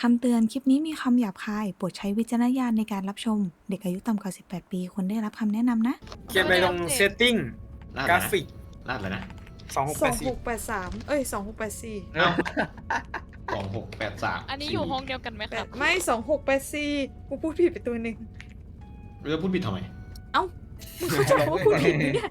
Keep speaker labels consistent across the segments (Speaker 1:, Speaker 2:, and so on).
Speaker 1: คำเตือนคลิปนี้มีคำหยาบคายโปรดใช้วิจารณญาณในการรับชมเด็กอายุต่ำกว่า18 ปีควรได้รับคำแนะนำนะ
Speaker 2: เขียนไปตรงเซตติ้ง
Speaker 3: ลาด
Speaker 2: กราฟิก
Speaker 3: ลาดแล้วนะ
Speaker 2: 2684
Speaker 1: 2683 เอ้ย 2684
Speaker 3: เอ้า2683
Speaker 4: อันนี้อยู่ห้องเดียวกันไหมครับ
Speaker 1: ไม่ 2684กูพูดผิดไปตัวหนึ่ง
Speaker 3: เรื่องพูดผิดทำไม
Speaker 1: เอ้ามึงเข้าใจว่าพูดผิดไหมเนี่ย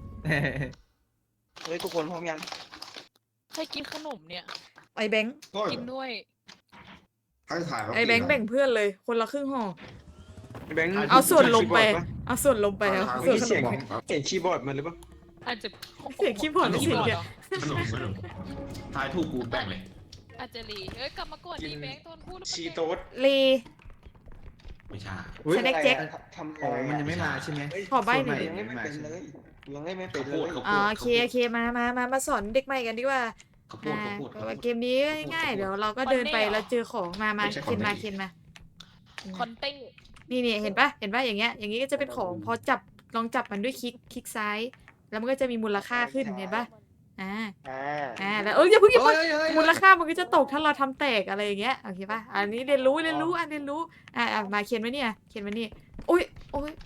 Speaker 5: เฮ้ยทุกคนพร้อมยัง
Speaker 4: ใครกินขนมเนี่ย
Speaker 1: ไอ้แบงค์
Speaker 4: กินด้วย
Speaker 1: ไอ้แบงค์แบ่งเพื่อนเลยคนละครึ่งห่อ
Speaker 2: แบงค์
Speaker 1: เอาส่วนลงไปเอาส่วนลงไปเอาส่วน
Speaker 2: มี
Speaker 1: ล
Speaker 2: เสียง
Speaker 1: งไป
Speaker 2: เสียงคีย์บอร์ดมันหรือเปล่า
Speaker 4: อาจจะ
Speaker 1: เสียงคีย์บอร์ดหรือเสียงเดียว
Speaker 3: ขนมทายถูกกูแบ่งเลย
Speaker 4: อาจจะรีเอ้ยกลับมาก่อนดีแบงค์ตอนพูดแล้ว
Speaker 2: ชี
Speaker 4: มัน
Speaker 2: โต๊ด
Speaker 1: เล
Speaker 3: ไม่ใช่
Speaker 1: สแน็คแจ็ค
Speaker 5: ทำ
Speaker 6: อ๋อมันยังไม่มาใช่ไหม
Speaker 1: ขอใบ้หน่อย
Speaker 5: ยังไม่เป็นเลยยังไม่เป็น
Speaker 3: ข้าว
Speaker 5: เล
Speaker 3: โพด
Speaker 5: ย
Speaker 3: ข้าวโพด
Speaker 1: โอเคมาสอนเด็กใหม่กันดีกว่า
Speaker 3: ข้าวโพดข้าวโพด
Speaker 1: เกมนี้ง่ายๆเดี๋ยวเราก็เดินไปแล้วเจอของมาเคนมา
Speaker 4: คอนเต้ง
Speaker 1: นี่เห็นปะอย่างเงี้ยอย่างงี้ก็จะเป็นของพอจับลองจับมันด้วยคลิกซ้าย แล้วมันก็จะมีมูลค่าขึ้นเห็นปะแล้วอย่าเพิ่งมูลค่ามันก็จะตกถ้าเราทำแตกอะไรอย่างเงี้ยโอเคปะอันนี้เรียนรู้มาเขียนไว้เนี่ยโอ้ย
Speaker 4: อุ้ย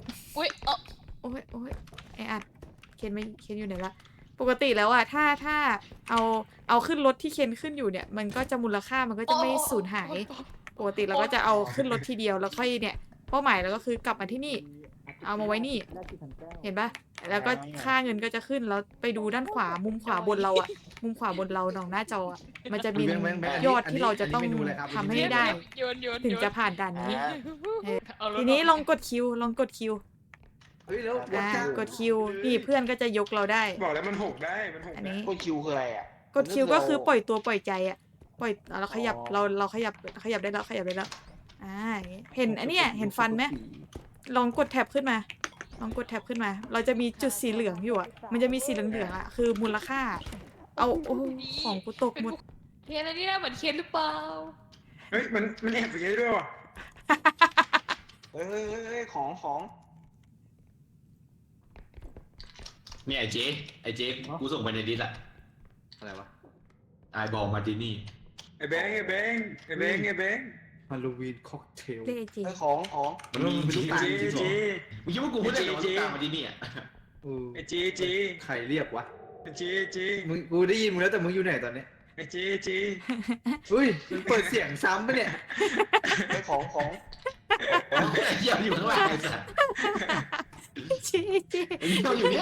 Speaker 1: ไออัดเขียนอยู่ไหนละปกติแล้วอะถ้าเอาขึ้นรถที่เขียนขึ้นอยู่เนี่ยมันก็จะมูลค่ามันก็จะไม่สูญหาย ปกติเราก็จะเอาขึ้นรถทีเดียวแล้วค่อยเนี่ยเป้าหมายเราก็คือกลับมาที่นี่ เอามาไว้นี่ เห็นปะแล้วก็ค่าเงินก็จะขึ้นแล้วไปดูด้านขวามุมขวาบนเราอะมุมขวาบนเราหนองหน้าจออะมันจะมียอดที่เราจะต้องทำให้ได้
Speaker 4: โยน
Speaker 1: ถึงจะผ่านด่านนี้
Speaker 4: เอารถ
Speaker 1: ทีนี้ลองกดคิว
Speaker 6: เฮ้ยแล้ว
Speaker 1: กดคิวนี่เพื่อนก็จะยกเราได้
Speaker 2: บอกแล้วมันหกได้มันหก
Speaker 1: อัน
Speaker 2: ได้
Speaker 1: นี้
Speaker 5: กดคิวคืออะไรอ่ะ
Speaker 1: กดคิวก็คือปล่อยตัวปล่อยใจอะปล่อยเราขยับเราขยับได้แล้วอย่างงี้เห็นอันเนี้ยเห็นฟันไหมลองกดแท็บขึ้นมา เราจะมีจุดสีเหลืองอยู่อ่ะมันจะมีสีเหลืองๆอ่ะคือมูลค่า เอาโอ้ของกูตกหมด
Speaker 4: เคนอันนี้น่าเหมือนเคนหรือเปล่า
Speaker 2: เฮ้ยมันแอบอย่างนี้ด้วยว่ะ
Speaker 5: เฮ้ยของ
Speaker 3: เนี่ยไอ้เจ๊กูส่งไปในดิสอะ
Speaker 6: อะไรวะ
Speaker 3: ไอบอลมาตินี่
Speaker 2: ไอ้แบงค์
Speaker 6: ฮาโลวีนค็อกเทล
Speaker 1: เลขจริง
Speaker 5: เฮ้ยของ
Speaker 3: มันมีจริง
Speaker 2: จี
Speaker 3: จริง
Speaker 2: จี
Speaker 3: มึงคิดว่ากูพูดได้เหรอว่าตุ๊กตามาตินี่อะ
Speaker 2: ไอ้จีจี
Speaker 6: ใครเรียกวะ
Speaker 2: จี
Speaker 6: มึงกูได้ยินมึงแล้วแต่มึงอยู่ไหนตอนนี้
Speaker 2: ไอ้จี
Speaker 6: อุ้ยมึงเปิดเสียงซ้ำปะเนี่ย
Speaker 5: เฮ้ยของ
Speaker 3: เหี้ยอยู่ข้างล่างไอ้สัส
Speaker 1: เจ๊เจ๊
Speaker 3: ไอ้เหี้ยอยู่เนี่ย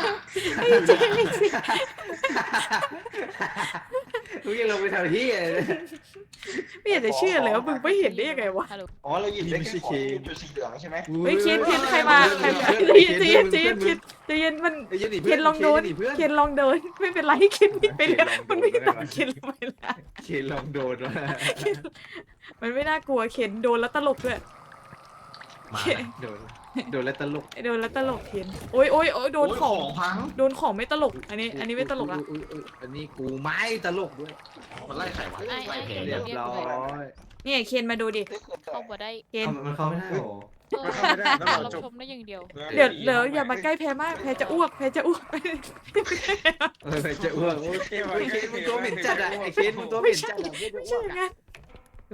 Speaker 6: มึงยังลงไปแถวที่เลย
Speaker 1: ไม่อยากจะเชื่อเลยว่ามึงไม่เห็นได้ยังไงวะ
Speaker 4: ฮัลโหล
Speaker 5: อ๋อเราหยิบได้แค่ของจุดสีเหลืองใช่ไหม
Speaker 1: เฮ้ยเคนใครมาใจเย็นมัน เคนลองโดนไม่เป็นไรเคนวิ่งไปแล้วมันไม่ตามเคนลงไปแล้ว
Speaker 6: เคนลองโดนวะ
Speaker 1: มันไม่น่ากลัวเคนโดนแล้วตลกด้วย
Speaker 3: มา
Speaker 6: โดนแล้วตลก
Speaker 1: โดนแล้วตลกเคนโอ้ยโดนของ
Speaker 3: พัง
Speaker 1: โดนของไม่ตลกอันนี้ไม่ตลกละ
Speaker 6: อันนี้กูไม่ตลกด้วย
Speaker 3: มันไล่ไข่วะไล่แผล
Speaker 6: เรียบร้อย
Speaker 1: เนี่ยเคนมาดูดิ
Speaker 5: เฮ้ยคืออะไร
Speaker 4: เข้าบ่ได้
Speaker 1: เคน
Speaker 6: มันเข้าไม่ได้หรอ
Speaker 2: มันเข้าไม่ได้ต้องรอ
Speaker 4: เรา
Speaker 2: จบ
Speaker 4: ชมได้อย่างเดียว
Speaker 1: เดี๋ยวอย่ามาใกล้แพ้มากแพ้จะอ้วก
Speaker 6: ไปจะอ้วกไอ้เคนมึงตัวเหม็นจัดอะไอ้เคนมึงตัวเหม็นจัด
Speaker 1: ไม่ใช่อย่างนั้น
Speaker 6: โ
Speaker 1: แหว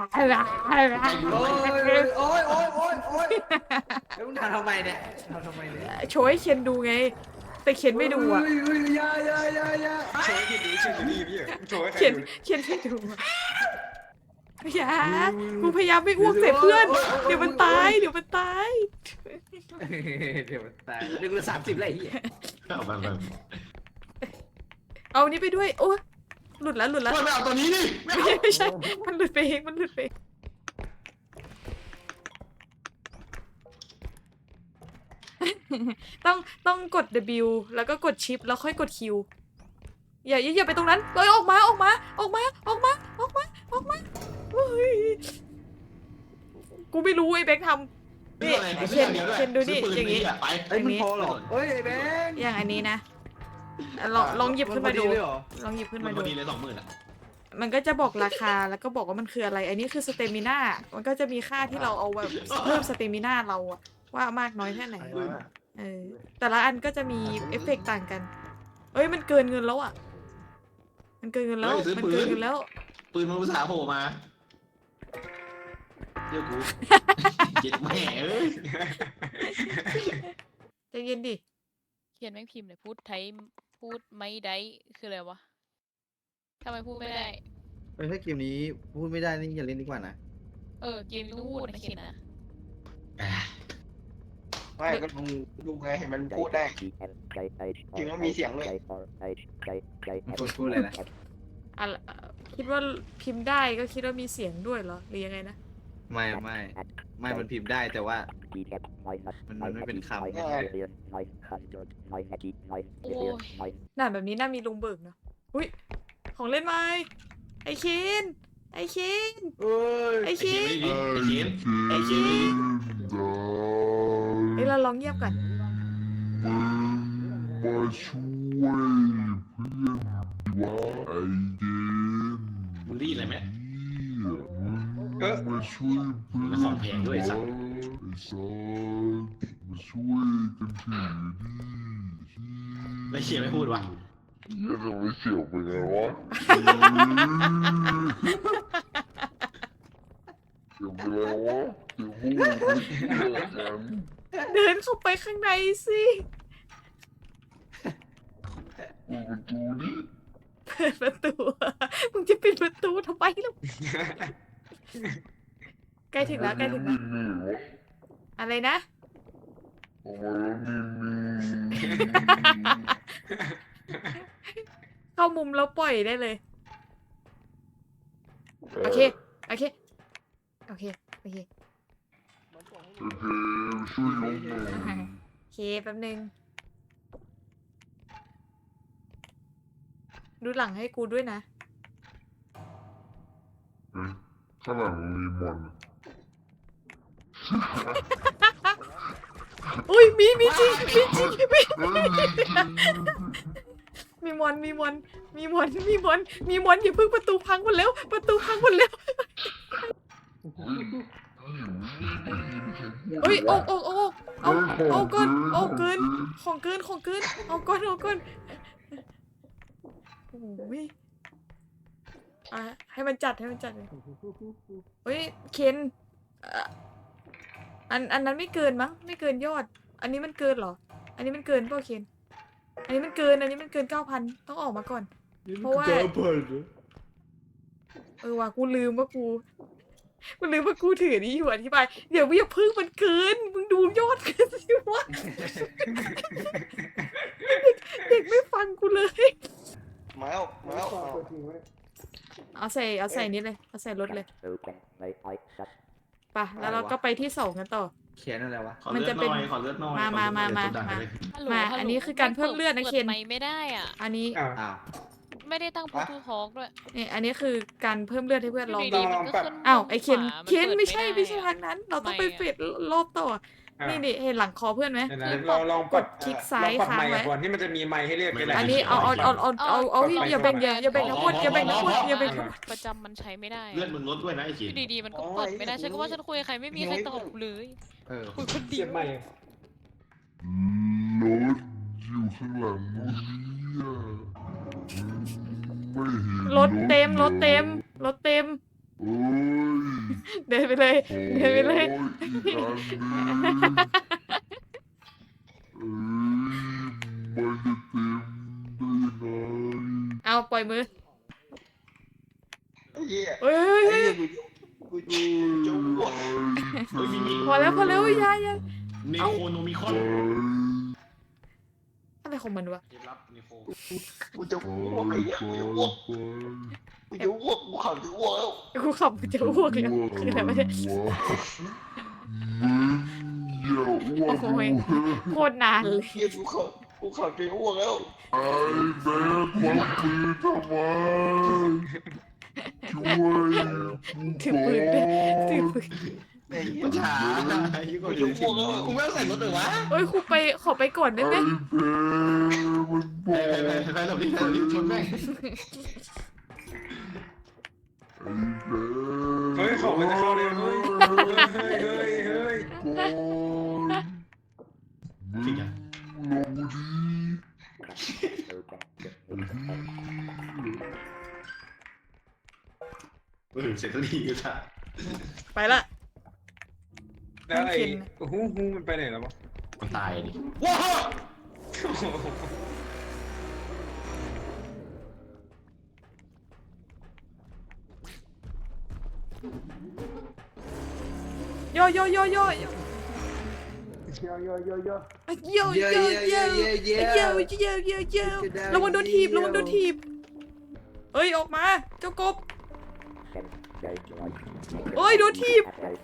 Speaker 6: อ้ยแล้วมึงทำไมเนี่ย
Speaker 1: โชว์ให้เคนดูไง แต่เคนไม่ดูอ่ะ
Speaker 6: ยา
Speaker 2: โชว์ให้ดูชื่อดีพี่โชว์ให้ใคร
Speaker 1: เคน
Speaker 2: ดู
Speaker 1: ไม่ดูอะอย่ากูพยายามไม่อ้วกใส่เพื่อน เดี๋ยวมันตาย
Speaker 6: เดี๋ยวมันตายเรื่องละ30ไรเหี้ย
Speaker 3: เอาไป
Speaker 1: เอานี้ไปด้วย โอ้หลุดแล้ว
Speaker 3: ไม่เอาตัวนี้ดิไม่เอา
Speaker 1: ไม่ใช่ มันหลุดไปเองต้องกด W แล้วก็กดชิปแล้วค่อยกด Q อย่าไปตรงนั้นเอ้ยออกมาเฮ้ยกูไม่รู้ไอ้แบงค์ทำนี่เคนดูนี่อย่างงี้
Speaker 3: ไป
Speaker 6: ไอ้มึงพอหรอเฮ้ยไอ้แบงค์
Speaker 1: อย่างอันนี้นะลองหยิบขึ้นมาดู ลองหยิบขึ้น
Speaker 3: มั
Speaker 1: มาน
Speaker 3: พ
Speaker 1: ดู
Speaker 3: อดีเลย20,000อะ
Speaker 1: มันก็จะบอกราคาแล้วก็บอกว่ามันคืออะไร อันนี้คือสเตมิน่ามันก็จะมีค่าที่เราเอาแบบเพิ่มสเตมิน่าเราอะว่ามากน้อยแค่ไหนแต่ละอันก็จะมีเอฟเฟกต์ต่างกันเอ้ยมันเกินเงินแล้วอะมันเกินเงินแล้ว
Speaker 3: ปืนมันภาษาโผล่มาชื่อกูเจ็ดแม่เอ้ย
Speaker 1: ใจเย็นดิ
Speaker 4: เขียนแม่งพิมพ์เลยพูดไทยพูดไม่ได้คืออะไรวะทำไมพูดไม่ได้
Speaker 6: ถ้าเกมนี้พูดไม่ได้นี่อย่าเล่นดีกว่านะ
Speaker 4: เกมต้องพูดนะเขียนนะ
Speaker 5: ไม่ก็ดูไงเห็นมันพูดได้จริงแล้วมีเสียงเลย
Speaker 6: พูดอะไรนะ
Speaker 1: อะคิดว่าพิมพ์ได้ก็คิดว่ามีเสียงด้วยเหรอหรือยังไงนะ
Speaker 6: ไม่มันพิมพ์ได้แต่ว่ามันไม่เป็นคำ
Speaker 4: โอ้ย
Speaker 1: น่าแบบนี้น่ามีลุงเบิกเนาะอุ้ยของเล่นไหมไอเคนไอเคน
Speaker 6: เอ้ย
Speaker 1: ไอ
Speaker 3: ไอ้
Speaker 1: เคน
Speaker 3: เขียนไอ้เขียน
Speaker 1: เอ้ยเราลองเงียบกัน
Speaker 7: มาช่วยเพื่อนว่าไอเกน
Speaker 3: มึงได้ยินอะไรไหม
Speaker 7: มาช่วยเพื่อน
Speaker 3: มันของแพงด้วยสัตว์
Speaker 7: ไอ้สัสมาช่วยกันถือดิ
Speaker 3: แล้วเขียนไม่พูดวะ
Speaker 7: อย่าทำให้เสียวไปไงวะเสียวไปแล้ววะเสียวพูดไม่เชื่อกัน
Speaker 1: เดินเข้าไปข้างในสิ
Speaker 7: เปิดประตูดิ
Speaker 1: เปิดประตูมึงจะปิดประตูทำไมล่ะใกล้ถึงแล้วใกล้ถึงแล้ว
Speaker 7: นี่วะ
Speaker 1: อะไรนะ
Speaker 7: ออกมาแล้วนี่
Speaker 1: เข้ามุมแล้วปล่อยได้เลย โอเค โอเค โอเค โอเค
Speaker 7: โอเคช่วยยกหน่อย
Speaker 1: โอเคแป๊บนึง ดูหลังให้กูด้วยนะ
Speaker 7: เอ๊ะข้างหลังมีมอน
Speaker 1: อุ้ยมีจริงมีจริงมี
Speaker 7: เฮ้ยจริง
Speaker 1: มีมอนอย่าเพิ่งประตูพังหมดแล้ว ประตูพังหมดแล้วเฮ้ยเอาเกินของเกินเอาก่อนโอ้ยอ่ะให้มันจัดเลยเฮ้ยเคนอันนั้นไม่เกินมั้งไม่เกินยอด อันนี้มันเกินเหรอ อันนี้มันเกินเปล่าเคนอันนี้มันเกิน 9,000ต้องออกมาก่อน เพราะว่าว่ะกูลืมว่ากูถือนี้อยู่อธิบายเดี๋ยวอย่าพึ่งมันเกินมึงดูยอดกันสิวะ เด็กไม่ฟังกูเลย
Speaker 5: มาแล้ว
Speaker 1: เอาใส่นี้เลยเอาใส่รถเลยไปแล้วเราก็ไปที่2กันต่อ
Speaker 6: เขียนอะไรวะ
Speaker 3: ขอเลือดหน่อยขอเลือดหน่อย
Speaker 1: มา
Speaker 4: ฮัลโหล
Speaker 1: มา
Speaker 4: ฮัลโหล
Speaker 1: อันนี้คือการเพิ่มเลือดนะ
Speaker 4: ปิ
Speaker 1: เคน
Speaker 4: ไมค์ไม่ได้อ่ะ
Speaker 1: อันนี้
Speaker 2: อ้าว
Speaker 6: อ้าว
Speaker 4: ไม่ได้ตั้งพูทูทอกด้วย
Speaker 1: นี่อันนี้คือการเพิ่มเลือดให้เพื่อนลอง
Speaker 4: ยู่
Speaker 1: ดู
Speaker 4: ดีๆมันก็ขึ้น
Speaker 1: อ้าวไอเคน
Speaker 4: ขวามั
Speaker 1: เคน
Speaker 4: ปิด
Speaker 1: ไม่ใช่
Speaker 4: ด้
Speaker 1: ไม่ใช่
Speaker 4: อะ
Speaker 1: ทางนั้น เราต้องไป
Speaker 4: ทำไมอะ
Speaker 1: เฟดรอบต่อ นี่เห็นหลังคอเพื่อนไหม
Speaker 2: เดี๋ยวนะลองป
Speaker 1: ก
Speaker 2: รับ
Speaker 1: ดคลิกซ้ายค้างไว้
Speaker 2: ก่อนที่มันจะมีไมค์ให้เรียกกันแหละ
Speaker 1: อันนี้เอาอย่าแบ่งอย่าแบ่งทั้งหมดอย่าแบ่งทั้งหมดอย่าแบ่งทั้งหมด
Speaker 4: ประจำมันใช้ไม่ได้
Speaker 3: เลือดมึงลดด้วยนะไอ้เขี
Speaker 4: อย
Speaker 3: น
Speaker 4: ยู่ดีๆมันก็เปิดไม่ได้ฉันก็ว่าฉันคุยกับใครไม่มีใครตอบกูเลย
Speaker 6: เออ
Speaker 4: คุยคนเดี
Speaker 2: เสี
Speaker 4: ย
Speaker 2: ยว บใหม่
Speaker 7: รถอยู่ข้างหลังนู้นเนี่ยไม่เห็น
Speaker 1: รถเต็ม
Speaker 7: เลย เอ้ย
Speaker 1: เดินไปเลย
Speaker 7: โอ้
Speaker 1: เดินไปเลย
Speaker 7: อีกอันหนึงมันจะเต็มได้ยังไง
Speaker 1: เอาปล่อยมือ
Speaker 5: ไอ้เหี้ย
Speaker 1: เฮ้ย
Speaker 5: ไอ้เหี้ยกูจะอ้วก
Speaker 1: พอแล้วอย่า
Speaker 3: เนโคโนมิคอน
Speaker 1: อะไรของมันวะ
Speaker 3: รับเนโค
Speaker 5: กูจะอ้วกไอ้เหี้ยกูจะอ้วกกูขับจะอ้วกแล้ว
Speaker 1: กูขับจะอ้วกเลยคืออะไรวะเนี่ย
Speaker 7: อย่าอ้วก
Speaker 1: โอ้ยโคตรนานเลย
Speaker 5: เหี้ยกูขับจะอ้วกแล้ว
Speaker 7: ไอ้แม่ควักปืนทำไมช่วย
Speaker 1: ถือปืนด้วยถือปืน
Speaker 5: ไอ้เหี้ย
Speaker 3: มันช้ายิ่งกว่า
Speaker 5: กู
Speaker 3: เดิ
Speaker 5: จะ
Speaker 3: ม
Speaker 5: อ้วกแล้ว
Speaker 3: กูไม่ต้องใส่รถเลยวะ
Speaker 1: เฮ้ยครูไปขอไปก่อนได้ไหม
Speaker 7: ไอ้แม่มันบ
Speaker 3: ไป
Speaker 7: อก
Speaker 3: ไปหลบดิชนแม่ง
Speaker 7: ไอ้แม่
Speaker 2: เฮ้ยของมันจะเข้าเลยเฮ้ย
Speaker 7: ก่อน
Speaker 3: จริงอ่ะ
Speaker 7: ลงดี
Speaker 3: เสร็จสักทีก็จะ
Speaker 1: ไปละ
Speaker 2: แล้วไอ้
Speaker 1: เคน
Speaker 2: ฮูมันไปไหนแล้ววะ
Speaker 3: มันตายดิ
Speaker 2: ว้าว
Speaker 1: โยโยโยโยโยโยโยโยโยโยโยระวังโดนถีบระวังโดนถีบเอ้ยออกมาเจ้ากบเอ้ยโดนถีบ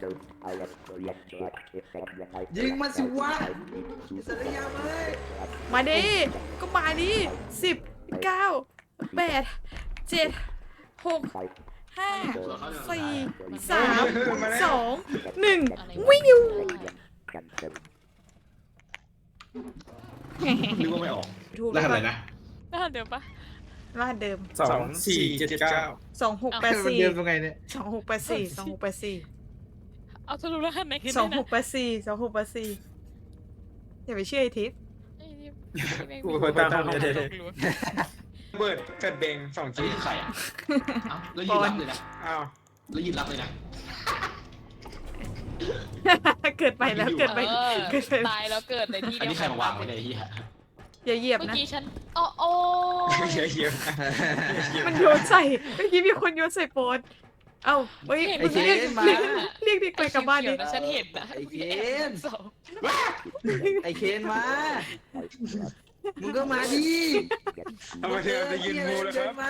Speaker 6: ยิงมันสิวะสัญญาเลย
Speaker 1: มาดิก็มาดิ10 9 8 7 6 5 4 3 2 1วิ่งอยู่
Speaker 3: นึกว่าไม่ออก
Speaker 1: ถูก
Speaker 3: แล้วทำอะไรนะ
Speaker 4: น่าเดี๋ยวปะ
Speaker 1: รหัสเดิม
Speaker 2: 2479
Speaker 1: 2684
Speaker 6: มันเดิมตรงไงเนี่ย
Speaker 1: 2684 2684
Speaker 4: เอาทะลุรหัสไหนขึ้น
Speaker 1: สอง
Speaker 4: ได้
Speaker 1: ห
Speaker 4: นะ
Speaker 1: กแปดสี่อย่าไปเชื่อไอ้ทิพย์
Speaker 4: ไอ้นี่
Speaker 2: กูตามเขาเลยเบิร์ดเกิดเบง
Speaker 3: อัน
Speaker 2: 2G
Speaker 3: นี้คือใครอ่ะเอ้าแล้วยืนรับเลยนะ
Speaker 2: อ้าว
Speaker 3: แล้วยืนรับเลยนะ
Speaker 1: เกิดไปแล้วเกิดไป
Speaker 4: เออ
Speaker 1: เกิดไป
Speaker 4: ตายแล้วเกิดในที่
Speaker 3: อัน
Speaker 4: เดียว
Speaker 3: นี้ใครมาวางไว้ในยไอ้เฮีย
Speaker 1: อย่าเหยียบ
Speaker 4: เมื่อ
Speaker 1: นะ
Speaker 4: กี้ฉันโอ้
Speaker 2: เยอะ
Speaker 1: มันโยนใส่เมื่อกี้มีคนโยนใส่โปนเอ้าเฮ้ย
Speaker 6: ไอ้เคน
Speaker 1: เรียกเด็กไปกลับบ้านดิ
Speaker 4: นะฉันเห็นนะ
Speaker 6: ไอ้เคน
Speaker 4: สอง
Speaker 6: ไอ้เคนมา มึงก็มาดิ
Speaker 2: ทำไมเธอจะยืนมูแล้วครับ
Speaker 6: มา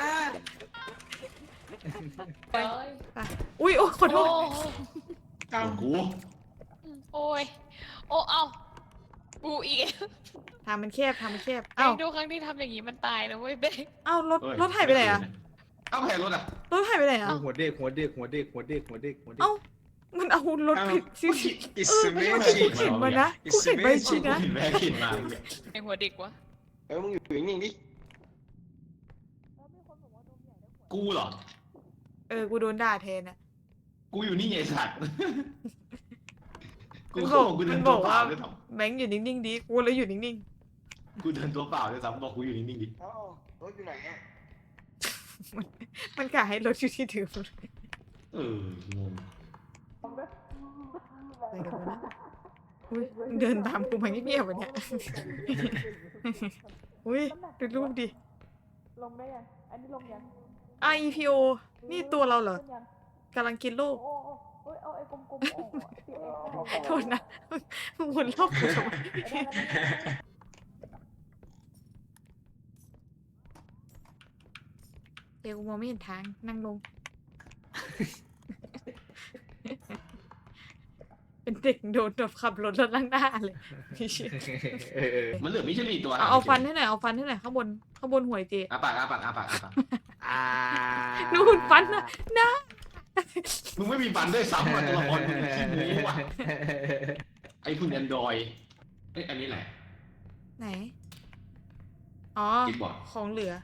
Speaker 1: อุ้ยโอ้ขอโท
Speaker 4: โอ้
Speaker 1: ษ
Speaker 3: ของกู
Speaker 4: โอ้ยโอ้เอากูอีก
Speaker 1: ทางมันแคบทางมันแคบ
Speaker 4: เอ้า
Speaker 1: เอ้า
Speaker 4: ดูครั้งที่ทำอย่างนี้มันตายนะเว้ยเบ้ง
Speaker 1: เอ้ารถหายไปไหนอะ
Speaker 3: เอ้าใครรถอ่ะ
Speaker 1: รถหายไปไหนอะ
Speaker 6: หัวเด็กหัวเด็กหัวเด็กหัวเด็กหัวเด็กหัวเด็ก
Speaker 1: เอ้ามันเอารถผิดสิ
Speaker 2: อิส
Speaker 1: ไม่
Speaker 2: เม
Speaker 1: ใช่
Speaker 2: จิ
Speaker 1: กูเห็นมานะกูเห็นไปจริงนะ
Speaker 3: เห็นแม่ขินมา
Speaker 4: ในหัวเด็กวะ
Speaker 5: มึงอยู่นิ่งๆดิ
Speaker 3: กูเหรอ
Speaker 1: กูโดนด่าแทนอะ
Speaker 3: กูอยู่นี่ไงไอ้สัตว์
Speaker 1: มัน
Speaker 3: เขา
Speaker 1: บอก
Speaker 3: กูเดิ
Speaker 1: มัน น
Speaker 3: ตั
Speaker 1: บ
Speaker 3: ว
Speaker 1: อก
Speaker 3: เป
Speaker 1: ว่า
Speaker 3: ล่าด้วยซ้
Speaker 1: แบงค์อยู่นิ่งๆดิกูเลยอยู่นิ่ง
Speaker 3: ำกูเดินตัวเปล่าด้วยซ้ำบอกกูอยู่นิ่งๆดิ
Speaker 5: อ้าวรถอยู่ไหนอ่ะ
Speaker 1: ๆมันกะให้รถอยู่ที่ถือ
Speaker 3: เอองง
Speaker 1: อุ๊ยมึงเดินตามกูมาเงียบๆวะเนี่ย อุ้ยดูรูปดิ
Speaker 8: ลงได้ยัง อันนี้ลงยัง
Speaker 1: IPO นี่ตัวเราเหรอ
Speaker 8: ยัง
Speaker 1: กำลังกินลูก
Speaker 8: โอ้โอ้เอาไอ้กลมๆออกอะที่ไอ้
Speaker 1: โทษนะมึงหมุนรอบกูทำไมเดี๋ยวกูมองไม่เห็นทางนั่งลง เป็นเด็กโดนแบบขับรถแล้วนั่งหน้าเลยไม่เชื่อ
Speaker 3: มันเหลือมิชลินตัว
Speaker 1: เอาฟันให้หน่อยเอาฟันให้หน่อยข้างบนหัวไอ้เจ
Speaker 3: อาปากอาปากอาปากอาปาก
Speaker 1: นู่นฟันนะนะ
Speaker 3: มึงไม่มีฟันด้วยซ้ำอ่ะตัวละครมึงขี้โม้ว่ะไอ้คุณแอนดรอยเอ้ยอันนี้แหละ
Speaker 1: ไหน อ๋อ
Speaker 3: คิดบอก
Speaker 1: ของเหลือ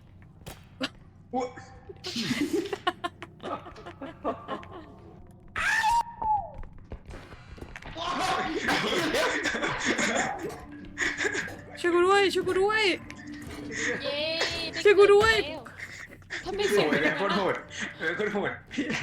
Speaker 1: ช่วยกูด้วยช่วยกูด้วย
Speaker 4: เย้ได้
Speaker 1: ช่วยกูด้วย
Speaker 4: เกิแล้วทำไม
Speaker 2: โห
Speaker 4: เสียง
Speaker 2: ดเลยโคตรโหดโคตรโหด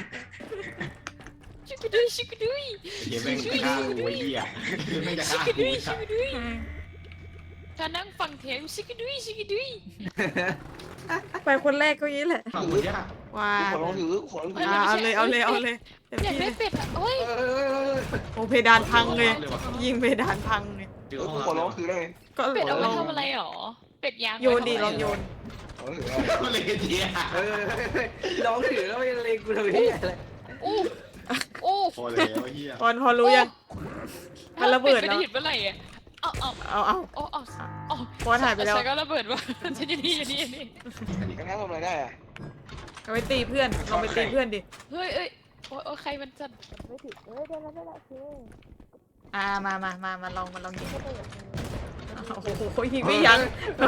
Speaker 4: ช่วยกูด้วยช่วยกูด้วย
Speaker 3: เฮียแม่งฆ่ากูไอ้เหี้ยเฮียแม่งจะ
Speaker 4: ช่ว
Speaker 3: ฆ่าย
Speaker 4: กู
Speaker 3: กู
Speaker 4: ด้วย
Speaker 3: ไอ้สั
Speaker 4: ช่วย
Speaker 3: ตว์
Speaker 4: กูด้วยถ้านั่งฟังเทปช่วยกูด้วยช่วยกูด้วย
Speaker 1: ไปคนแรกก็งี้แหละ
Speaker 3: ฝั่งกูยาก
Speaker 1: ว้า
Speaker 5: ขอลองถือขอลองถือ
Speaker 1: เอาเลยเต็ม
Speaker 4: อยาก
Speaker 1: ที่
Speaker 4: ได้
Speaker 1: เลย
Speaker 4: เป็ดอ่ะโอ้ย
Speaker 1: โอเพดานพังเลย ยิงเพดานพังเลย
Speaker 3: เจอ
Speaker 5: กู
Speaker 3: ห้อง
Speaker 5: ขอลองถือได้ไง
Speaker 1: ก็
Speaker 4: เป็ดเอาไว้
Speaker 1: ลอง
Speaker 4: ทำอะไรหรอ เป็ดยาง
Speaker 1: โยนดีลองโยน
Speaker 5: ขอลองถือ
Speaker 3: ก็เลยเจีย
Speaker 6: ลองถือแล้วยังเลงกูทำไมเนี่ยอะไร
Speaker 4: อู้อู้
Speaker 3: พอแล้วเฮีย
Speaker 1: พอรู้ยัง มันระเบิด
Speaker 4: เป็
Speaker 1: แล้ว
Speaker 4: ไม่ได้หยุดเมื่อไหร่อ่ะเอา
Speaker 1: เอา
Speaker 4: เอา
Speaker 1: พอถ่ายไปแล้ว
Speaker 4: ฉันก็ระเบิดว่ะฉันอยู่นี่อยู่นี่อยู่นี่
Speaker 5: กันนั้นทำอะไรได้อ่ะ
Speaker 1: เอาไปตีเพื่อนลองไปตีเพื่อนดิ
Speaker 4: เฮ้ยเอ้ยโอ้ยใครมันสั่น
Speaker 8: ไม่ถึงได้แล้วโอเค
Speaker 1: มาลองยิงโอ้โหยิงไม่ยั้ง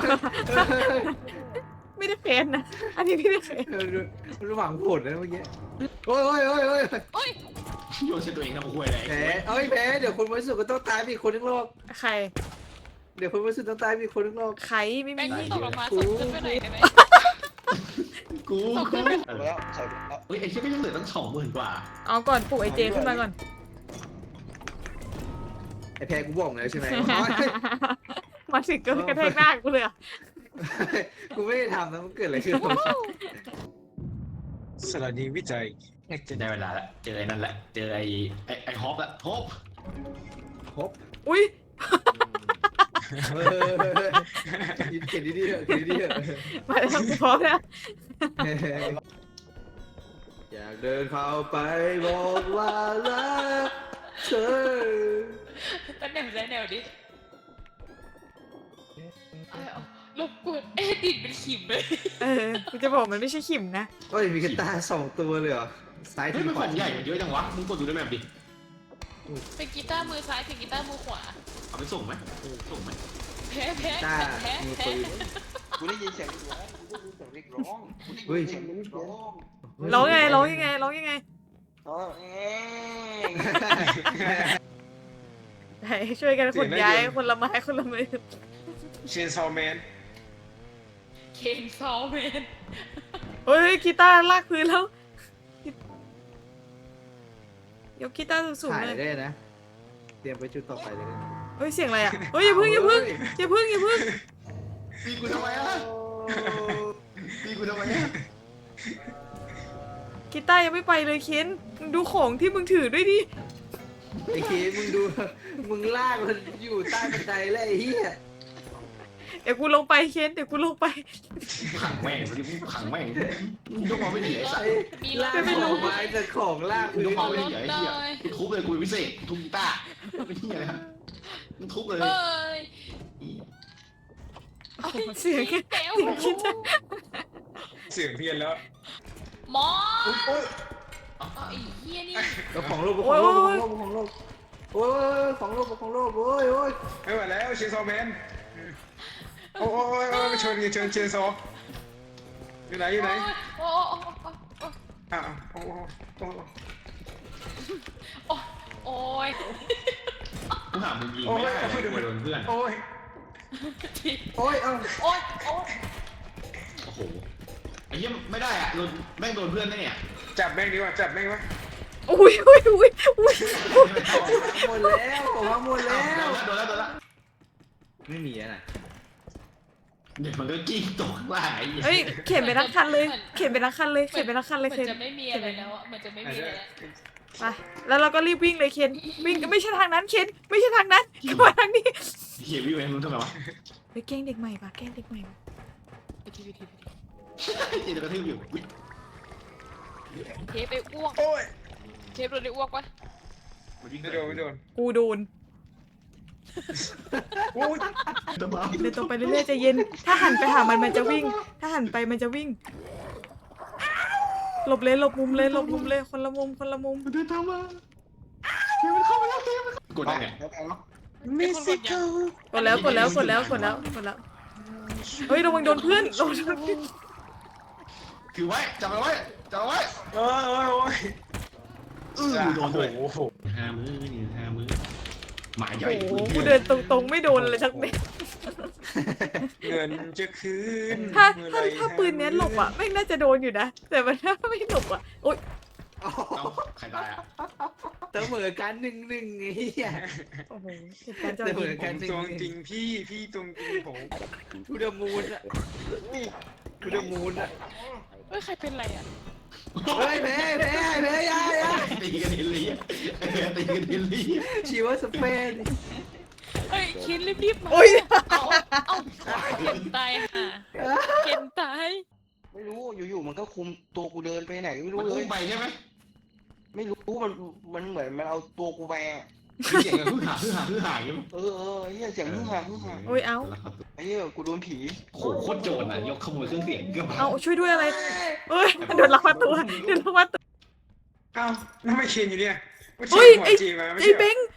Speaker 1: ไม่ได้เป็นนะ อันนี้ไม่ได้เป็น
Speaker 6: ระหว่างผลนะเมื่อกี้โอ้ย
Speaker 4: โอ้ย
Speaker 3: โยนใส่ตัวเองทำคุยอะไร
Speaker 6: แพ้แพ้เดี๋ยวคนบริสุทธิ์ก็ต้องตายมีคนทั้งโลก
Speaker 1: ใคร
Speaker 6: เดี๋ยวคนบริสุทธิ์ต้องตายมีคนทั้งโลก
Speaker 1: ใครไม่
Speaker 4: แบง
Speaker 1: มี
Speaker 4: ค์ตกลงมาสุดขึ้นไปไหนได้ไหม
Speaker 3: กู
Speaker 4: เอาขึ้น
Speaker 5: ใส่ไปแล้วใส่ไปแล้ว
Speaker 3: เฮ้ยไอ้เชี่ยก็ยังเหลือตั้ง20,000 กว่า
Speaker 1: เอาก่อนปลุกไอเจขึ้นมาก่อน
Speaker 6: แพ้กูบอกแล้วใช่ไหม
Speaker 1: มาถึงก็กระแทกหน้ากูเลยอะ
Speaker 6: กูไม่ได้ทำนะมันเกิดอะไรขึ้น
Speaker 2: สถานีวิจัย
Speaker 3: จะได้เวลาละเจอไอ้นั่นแหละเจอไอ้ฮอปละฮอป
Speaker 1: อุ้ย
Speaker 6: เขียนดีๆเถอะเขียนดีๆเถอะ
Speaker 1: มาแล้วกูพร้อมแล้ว
Speaker 6: อยากเดินเข้าไปบอกว่ารักเธอ
Speaker 4: ตั้งแนวได้แนวดิรบกวนดิดเป็นขิมเลย
Speaker 1: กูจะบอกมันไม่ใช่ขิมนะ
Speaker 6: โอ้ยมีกระต่าย2 ตัวเลยเหรอซ้าย
Speaker 3: เฮ้ย
Speaker 6: ถึง
Speaker 3: มัน
Speaker 6: ข
Speaker 3: ข
Speaker 6: วา
Speaker 3: องใหญ่เยอะจังวะมึงกดดูในแมปดิ
Speaker 4: เป็นกีตาร์มือซ้ายเป็นกีตาร์มือขวา
Speaker 3: เอาไปส่งไหมส่งไหม
Speaker 4: แพ้แพ้
Speaker 6: ตา
Speaker 4: แพ้
Speaker 6: มือ
Speaker 4: แพ้
Speaker 6: ปืน
Speaker 5: กูได้ยินเสียงร้องกูได้ยินเสียงเรียกร้องกูได้ยินเสียงเรียกร้อง
Speaker 1: ร้องยังไงร้องยังไงร้องยังไง
Speaker 5: อ๋อเอง
Speaker 1: ให้ช่วยกันขนย้ายคนละไม้คนละมือ
Speaker 2: เชนซอแมน
Speaker 4: เคนซอลแมน
Speaker 1: เฮ้ยกีตาร์ลากพื้นแล้ว ยกกีตาร์สูง
Speaker 6: ถ่า
Speaker 1: ๆ
Speaker 6: ย
Speaker 1: เลย
Speaker 6: ได้นะ เตรียมไปจุดต่อไปเลย
Speaker 1: เฮ้ยเสียงอะไรอ่ะเฮ้ยอย่าพึ่งอย่าพึ่งอย่าพึ่งอย่าพึ่ง
Speaker 3: ตีกูทำไมอ่ะตีกูทำไมอ่ะ
Speaker 1: กีตาร์ยังไม่ไปเลยเคนมึงดูของที่มึงถือด้วยดิ
Speaker 6: ไอ้เคมึงดู มึงลากมันอยู่ใต้บันไดแล้วไอ้เหี้ย
Speaker 1: เดี๋ยวกูลงไปเคนเดี๋ยวกูลงไป
Speaker 3: ขังแม่งขังแม่งยกมาไม่ดีไอ้สัส
Speaker 4: มี
Speaker 6: ลากของไม้แต่ของลาก
Speaker 3: ย
Speaker 6: พื้
Speaker 3: ก
Speaker 6: น
Speaker 3: มาไม่ดีไอ้เหี้ยกูทุบเลยกูเป็นพิเศษทุบกีตาร์ไม่เหี้ยอะไรครับมึงทุบเลย
Speaker 4: เอ้ย
Speaker 1: เสียง
Speaker 4: แก้ว
Speaker 1: คิดจะ
Speaker 2: เสียงเพี้ยนแล้ว
Speaker 4: หมอเอาไอ้เหี้ยนี่
Speaker 6: ก็ของโลกของโลกของโลกโอ้ยของโลกของโลกโอ้ยโอ้ย
Speaker 2: ไม่ไหวแล้วเชนซอแมนโอ้ยชนเชนซออยู่ไหนอยู่ไหน
Speaker 4: โอ้
Speaker 2: อ้าวโอ้
Speaker 4: โอ้ย
Speaker 3: กูหามึงยิงไม่ได้เลยกูโดนเพื่อน
Speaker 2: โอ้ย
Speaker 6: โอ้ยเอ้า
Speaker 4: โอ้ยโอ้ย
Speaker 3: โอ้โหไอ้เหี้ยไม่ได้อ่ะโดนแม่งโดนเพื่อนได้เนี่ย
Speaker 2: จับแม่งดีกว่าจับแม่งวะ
Speaker 1: อุ้ยอุ้ยอุ้ยอุ้ย
Speaker 6: หมดแล้วของหมดแล้ว
Speaker 3: โดนแล้ว
Speaker 6: ไม่มีอะนะ
Speaker 3: เดี๋ยวมันก็กิ้งตกข้างล่างไอ้เหี้ย
Speaker 1: เฮ้ยเข็นไปทั้งคันเลยเข็นไปทั้งคันเลยเข็นไปทั้งคันเลย
Speaker 4: เหมื
Speaker 1: เข็
Speaker 4: อน นจะไม่มีอะไรแล้วอ่ะเหมือนจะไม่มีอะไรแล้ว
Speaker 1: ไปแล้วเราก็รีบวิ่งเลยเคนวิ่งไม่ใช่ทางนั้นเคนไม่ใช่ทางนั้นก็มาทางนี้
Speaker 3: เหี้ยวิวเองมึงทำไมวะ
Speaker 1: ไปแกล้งเด็กใหม่ปะแกล้งเด็กใหม่ปะ
Speaker 3: เหี้ยจะกระทืบอยู่
Speaker 4: เทปไปอ้วก
Speaker 2: โอ้ย
Speaker 4: เทปโดนได้อ้วกวะ
Speaker 2: ไม่โดนไม่โดน
Speaker 1: กูโดน
Speaker 2: โอ้ย
Speaker 3: ตะบ้า
Speaker 1: เดินตรงไปเรื่อยๆใจเย็น ถ้าหันไปหามันจะวิ่ง ถ้าหันไปมันจะวิ่ง หลบเลยหลบมุมเลยหลบมุมเลยคนละมุมคนละมุม
Speaker 3: เดินตามมาเฮ้ยมันเข้ามาแล้วเฮ้ยมันกดได้ไง
Speaker 5: แล้วกันเนาะ
Speaker 4: มิสซิโก
Speaker 1: กดแล้วกดแล้วกดแล้วกดแล้วกดแล้วเฮ้ยระวังโดนเพื่อนระวังโดนเพื่อน
Speaker 3: ถือไว้จับเอาไว้จับเอาไว้
Speaker 2: โอ้ย
Speaker 3: โดนด้วย
Speaker 2: โอ้โห
Speaker 3: ห้ามือนี่ห้ามือหมาใหญ่
Speaker 1: โอ้โหกูเดินตรงๆไม่โดนเลยสักเม็ด
Speaker 2: เงินจะคืน
Speaker 1: ถ้าปืนเนี้ยหลบอ่ะไม่งน่าจะโดนอยู่นะ แต่มันถ้าไม่หลบอ่ะโอ๊ย
Speaker 3: เอ้าใครตายอ่ะ
Speaker 6: เสมอกัน1-1ไอ้เหี้ย
Speaker 1: โอ้โหเหตุการณ์จะ
Speaker 6: เสม
Speaker 1: ยิ
Speaker 6: อง
Speaker 2: ผมตรงจริงพี่ตรงจริงผม
Speaker 6: ทูเดมูนอะทูเดมูนอะ
Speaker 4: เฮ้ยใครเป็นไรอ่ะ
Speaker 6: เฮ้ยแพ้ยาย
Speaker 3: ตีกันเฮลี่ตีกันเฮลี่
Speaker 6: ชีวสเปน
Speaker 4: เฮ้ยเคนรีบๆมา
Speaker 1: โอ๊ย
Speaker 4: เอาเคนตายห่าเคนตาย
Speaker 5: ไม่รู้อยู่ๆมันก็คุมตัวกูเดินไปไหนไม่
Speaker 3: มั
Speaker 5: รู้
Speaker 3: น
Speaker 5: เล
Speaker 3: อุ้
Speaker 5: ย
Speaker 3: มไปใช่ไหม
Speaker 5: ไม่รู้มันเหมือนมันเอาตัวกูไปอะ
Speaker 3: เสียงกันฮือหาอย่างนี้
Speaker 5: เออไอ้เหี้ยเสียงฮึ่งฮ่า
Speaker 1: โอ๊ยเอา
Speaker 5: ไอ้เหี้ยกูโดนผี
Speaker 3: โหโคตรโจรอ่ะยกขโมยเครื่องเสียงก็มา
Speaker 1: เอาช่วยด้วยอะไรเอ้ยโดนลักพาตัวโดนลักพาตัว
Speaker 2: เอ้าแล้วไม่เคนอยู่เนี่ย
Speaker 1: เฮ้ยไอ้
Speaker 2: จีมาไม่
Speaker 1: ไอ้
Speaker 2: ใช่
Speaker 1: เบ้ง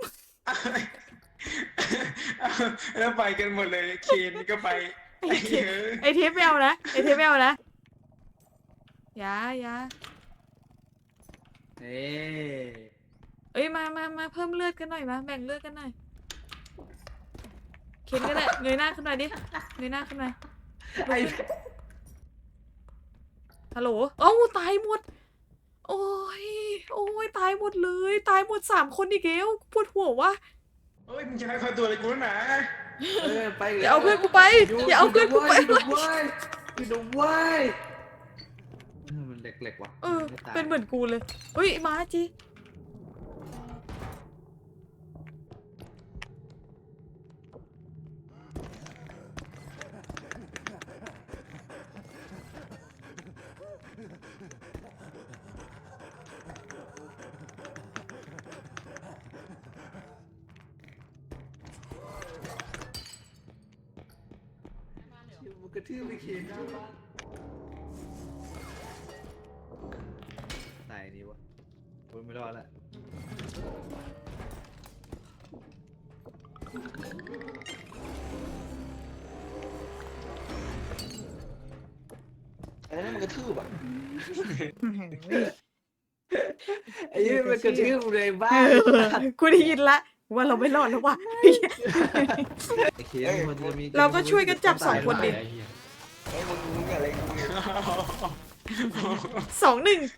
Speaker 2: แล้วไปกันหมดเลยเคนก็ไป
Speaker 1: ไอ้เทปไม่เอานะไอ้เทปไม่เอานะอย่า
Speaker 6: เอ้ย
Speaker 1: เอ้ยมาเพิ่มเลือดกันหน่อยมาแบ่งเลือดกันหน่อยเข็นก็ได้เงยหน้าขึ้นหน่อยดิเงยหน้าขึ้นหน่อย
Speaker 6: ไอ้
Speaker 1: ฮัลโหลเอ้าตายหมดโอ้ยตายหมดเลยตายหมด3 คนอีกแล้วปวดหัววะ
Speaker 2: โอ้ฮ้ยมึงจะให้เข้าตัวเลยกูนะ
Speaker 6: ไป
Speaker 1: อย่าเอาเพื่อนกูไปอย่าเอาเพื่อนกูไป
Speaker 6: ดูไว้มันเล็กๆว่ะ
Speaker 1: เออเป็นเหมือนกูเลยเฮ้ยมาจี
Speaker 6: มันกระทืบไปเขียนหน้าบ้านตายนี่วะโอ้ยไม่รอดละ
Speaker 5: อันนั้นมันกระทืบอ่ะ
Speaker 6: ไอ้นี่มันกระทืบเลยบ้า
Speaker 1: กูได้ยินละว่าเราไม่รอดแล้วว่ะ
Speaker 6: ไอ้เขียนมันจะมี
Speaker 1: เราก็ช่วยกันจับสองคนดิ
Speaker 3: ไอ้เหี้ย
Speaker 5: ไอ้มึงอะไรกูเนี่ย
Speaker 1: 2-1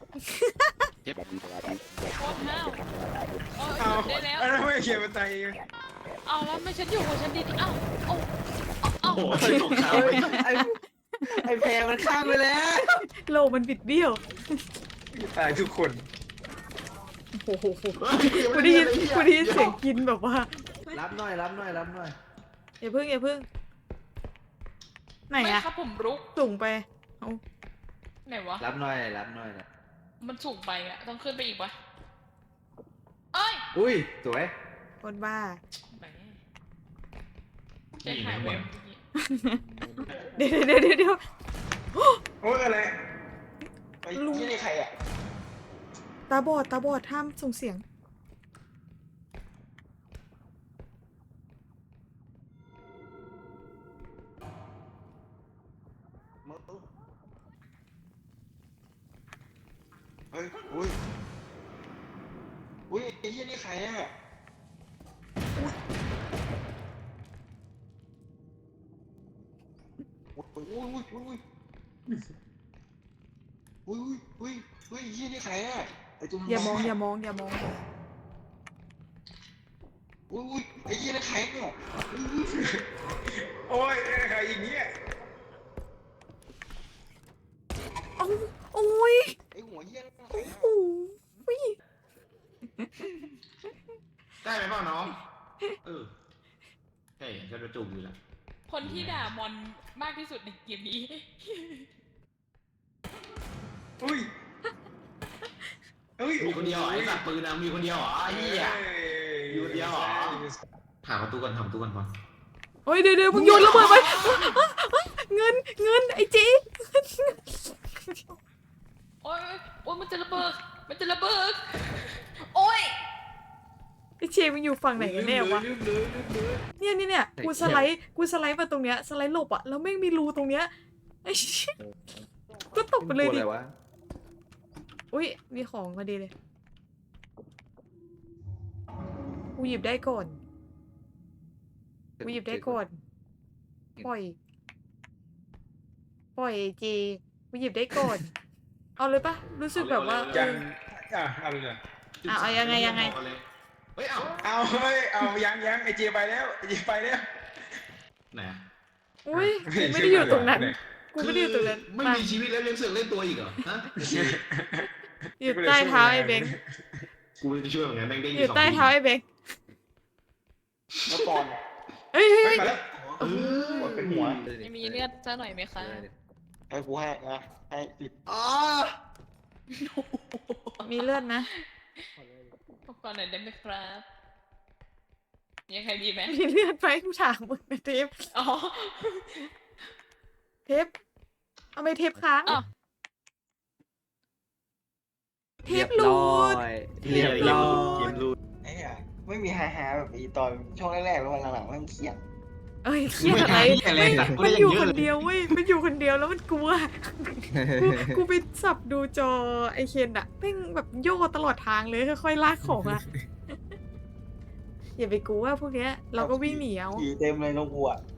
Speaker 4: โคตรห้าวโอ้ย
Speaker 2: เอา
Speaker 4: ได้แล้ว
Speaker 2: อันนั้นไม่เขียนมาตายเอง
Speaker 4: เอาแล้วไม่ฉันอยู่ของฉันดีๆเอ้าเอ้า
Speaker 3: โอ้โหตกขาว
Speaker 6: เอ้
Speaker 3: ไป
Speaker 6: ยไอ้แพรมันข้ามไปแล้ว
Speaker 1: โลกมันบิดเบี้ยว
Speaker 2: ตายทุกคน
Speaker 1: โอ้โหกูได้ยินเสียงกินแบบว่า
Speaker 6: รับหน่อย
Speaker 1: อย่าพึ่งไหน
Speaker 4: ไม่
Speaker 1: อะ
Speaker 4: ครับผมรุก
Speaker 1: สูงไปเอา
Speaker 4: ไหนวะ
Speaker 6: รับหน่อยนะ
Speaker 4: มันสูงไปอะต้องขึ้นไปอีกปะเอ้ย
Speaker 6: อุ้ยสวย
Speaker 1: คนบ้า
Speaker 4: แหมใจหายแวบเมื่อกี้
Speaker 1: เดี๋ยว
Speaker 2: โอ้ยอะไร
Speaker 5: ไอ้ที่นี่ใครอ่ะ
Speaker 1: ตาบอดห้ามส่งเสียง
Speaker 5: มึงเฮ้ยอุ้ยไอ้ที่นี่ใครอ่ะอุ้ยยี่นี่ใครอ่ะไอ้ตัว
Speaker 1: อย่ามอง
Speaker 5: อุ้ยไอ้ยี่นี่ใครเนี่ย
Speaker 2: โอ้ยใครอีกเนี่ย
Speaker 1: โอ้ย
Speaker 5: ไอ้หัวยี่นี่ใคร
Speaker 1: โอ้
Speaker 5: อ่ะ
Speaker 1: โห
Speaker 3: ได้ไหมเปล่าน้องใช่ฉันจะจูบอยู่แล้ว
Speaker 4: คนที่ด่ามอนมากที่สุดในเกมนี้
Speaker 2: อุ้ย
Speaker 3: มีคนเดียวเหรอไอ้สัตว์ปืนนะมีคนเดียวเหรอไอ้เหี้ย อยู่คนเดียวเหรอ หาประตูก่อนทำประตูก่อนก่อน
Speaker 1: เฮ้ยเดี๋ยวมึงโยนระเบิดไปเงินไอ้จี
Speaker 4: โอ้ยมันจะระเบิดโอ้ย
Speaker 1: ไอ้เชมึงอยู่ฝั่งไหนกันแน่วะเนี่ยกูสไลด์มาตรงเนี้ยสไลด์หลบอะแล้วแม่งมีรูตรงเนี้ยไอ้เชี่ยก็ตกไปเลยดิ
Speaker 6: อะไรวะ
Speaker 1: อุ้ยมีของพอดีเลยกูหยิบได้ก่อนปล่อยเจกูหยิบได้ก่อนเอาเลยปะรู้สึกแบบว่า
Speaker 2: ยังเอาเลย
Speaker 1: เอายังไง
Speaker 3: เฮ้ยเอา
Speaker 2: เอายังไอเจไปแล้ว
Speaker 3: ไหนอะ
Speaker 1: อุ้ยกูไม่ได้อยู่ตรงนั้นกูไม่ได้อยู่ตรงนั้น
Speaker 3: ไม่
Speaker 1: มา
Speaker 3: มีชีวิตแล้วยังเสือกเล่นตัวอีกเหรอฮะ
Speaker 1: อยู่ใต้เท้าไอ้เบง
Speaker 3: กูจะช่วยเหมือนกันแม่งได้
Speaker 1: อยู่ใต้เท้าไอ้เบง
Speaker 5: แล้วก่อน
Speaker 1: เฮ้ย
Speaker 2: มาแล้ว
Speaker 5: เป็นหัว
Speaker 4: มีเลือดซะหน่อยไหมคะ
Speaker 5: ให้กูให้นะให้ติด
Speaker 6: อ๋อ
Speaker 1: มีเลือดนะ
Speaker 4: พบก่อนหน่อยได้ไหมครับยังไงดีไหม
Speaker 1: มีเลือดไหมกูถามมึงนะเทป
Speaker 4: อ๋อ
Speaker 1: เทปเอาไปเทปค้าง
Speaker 4: อ้าว
Speaker 1: เทปหลุด
Speaker 6: เรียบร้อย
Speaker 3: เกมรูด
Speaker 5: ไอ้เหี้ยไม่มีฮาแบบอีตอนช่วงแรกๆแล้ววันหลังๆมันเครียด
Speaker 1: เอ้ยเครียดอะไรมันอยู่คนเดียวเว้ยมันอยู่คนเดียวแล้วมันกลัวกูไปสับดูจอไอเคนอะแม่งแบบโย่ตลอดทางเลยค่อยๆลากของอะอย่าไปกลัวพวกเนี้ยเราก็วิ่งหนีเอา
Speaker 5: ขี่เต็มเลยน้องกูอ่ะ